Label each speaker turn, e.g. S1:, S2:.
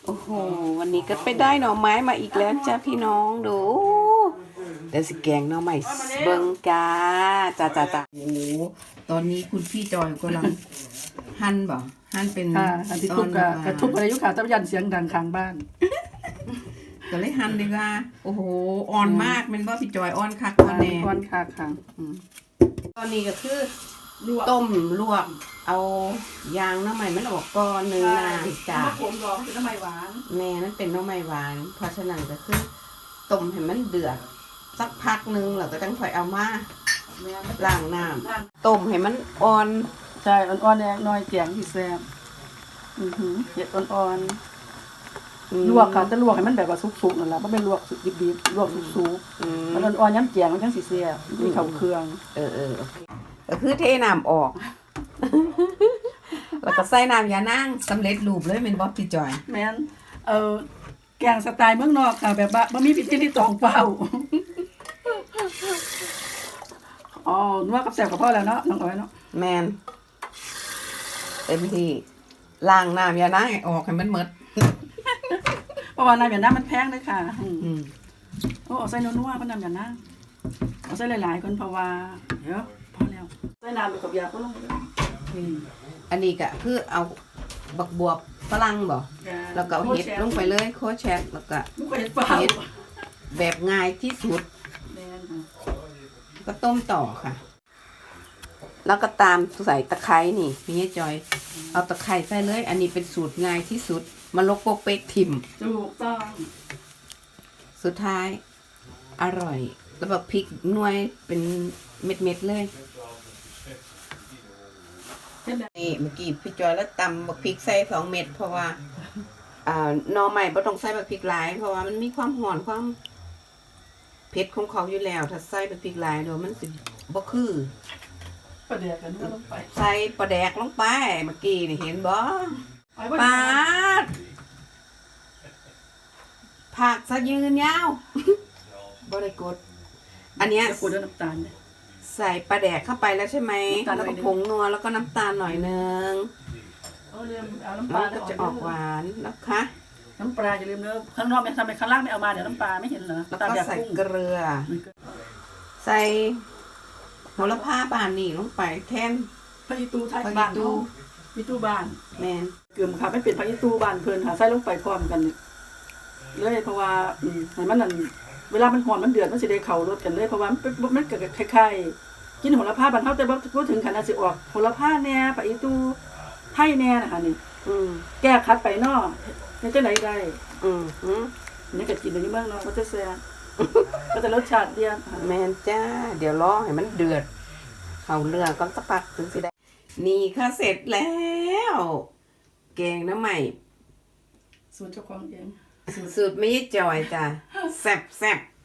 S1: โอ้โหวันนี้ก็ไปได้หน่อไม้มาอีกแล้วจ้าพี่น้องดูเดี๋ยวสิแกงหน่อไม้เบิ่งจ้าโอ้โหตอนนี้คุณพี่จอยกำลังหั่นบ่หั่นเป็น
S2: อันที่ทุบกระทุบอะไรยุคขาตะยันเสียงดังข้างบ้าน
S1: ก็เลยหั่นดีกว่าโอ้โหอ่อนมากมันบ่พี่จอยอ่อนคักอ่อนแน่
S2: อ่อนคักค่ะ
S1: ตอนนี้ก็คือต้มลวกเอายางหน่อไม้มันออกก่อนนึงนะจ้า
S2: ผมรอเป็นน้ำไม้หวาน
S1: แม่นั่นเป็นหน่อไม้หวานเพราะฉะนั้นก็คือต้มให้มันเดือดสักพักนึงแล้วก็ต้องค่อยเอามาล้างน้ำต้มให้มันอ่อน
S2: ใช่อ่อนๆแดงน้อยแกงที่แซ่บเห็ดอ่อนๆลวกค่ะจะลวกให้มันแบบว่าสุกๆนั่นแหละไม่เป็นลวกสุกดิบๆลวกสุกๆมันอ่อนๆย้ำแกงมันจังสิแซ่บมีข้าวเครื่อง
S1: โอเคก็คือเทน้ำออกแล้วก็ใส่น้ำยานางสำเร็จรูปเลยเป็นบ๊อบพี่จอย
S2: แม่นแกงสไตล์เมืองนอกค่ะแบบว่าบ่มีพิธีที่ตองเปล่านัวกับแซ่บกับพ่อแล้วเนาะน้องอ้อยเนาะ
S1: แมนเต็มที่ล้างน้ำยานางให้ออกให้มันหมด
S2: เพราะว่าน้ำยานางมันแพงเลยค่ะเอาใส่นัวๆเพราะน้ำยานางเอาใส่หลายๆคนเพราะว่าเดี๋ยวพอแล้วใส่น้ำไปกับยาก็ลงไปเลย
S1: อันนี้ก็คือเอาบักบวบฝรั่งบ่แล้วก็เอาเห็ดลงไปเลยโคแชทแล้วก็เห็ดแบบง่ายที่สุดก็ต้มต่อค่ะแล้วก็ตามใส่ตะไคร้นี่พี่จอยเอาตะไคร้ใส่เลยอันนี้เป็นสูตรง่ายที่สุดมาลกโปกเป๊กทิม
S2: ถูกต้อง
S1: สุดท้ายอร่อยแล้วแบบพริกหน่วยเป็นเม็ดๆเลยนี่เมื่อกี้พี่จอยแล้วตำบักพริกใส่2 เม็ดเพราะว่าหน่อใหม่บ่ต้องใส่บักพริกหลายเพราะว่ามันมีความหอนความเผ็ดของเขาอยู่แล้วถ้าใส่บักพริกหลายเดี๋ยวมันสิบ่คือ
S2: ปลาแดกกันลงไป
S1: ใส่ปลาแดกลงไปเมื่อกี้นี่เห็นบ่ปาดผักซะยืนยาวบ่ได้กดอันเนี้ย
S2: กดด้วยน้ำตาล
S1: ใส่ปลาแดกเข้าไปแล้วใช่ไหมแล้วก็ผงนัวแล้วก็น้ำตาลหน่อยนึง
S2: เอาน้ำปลา
S1: ก็จะออกหวานนะคะ
S2: น้ำปลาอย่าลืมเนื้อข้างนอกไม่ทำไมข้างล่างไม่เอามาเดี๋ยวน้ำปลาไม่เห็นเหรอ
S1: แล้วก็ใส่เกลือใส่โหระพาบานนี่ลงไปแทน
S2: พริกตูไทยบ้านพริกตูบ้าน
S1: แมน
S2: เกลือค่ะไม่เป็นพริกตูบ้านเพลินค่ะใส่ลงไปพร้อมกันเลยเพราะว่าให้มันนั่นเวลามันหอมมันเดือดมันสิได้เข่ารสกันเลยเพราะว่ามันเกิดคล้ายๆกินโหระพาบานเท่าแต่ว่าพูดถึงขนาดสิออกโหระพาแน่พริกตูไทยแน่นะคะนี่แก้คัดไปนอกนี่จะไหนได้นี่ก็กินในเมืองเนาะก็จะแซ่บก็จะรสชาติเดียว
S1: แมนจ้าเดี๋ยวรอให้มันเดือดเข่าเรือก็สักพักถึงสิได้นี่ค่ะเสร็จแล้วแกงน้ำใหม่
S2: สูตรเจ้าของเอง
S1: สูตรไม่จอยจ้ะแซ่บ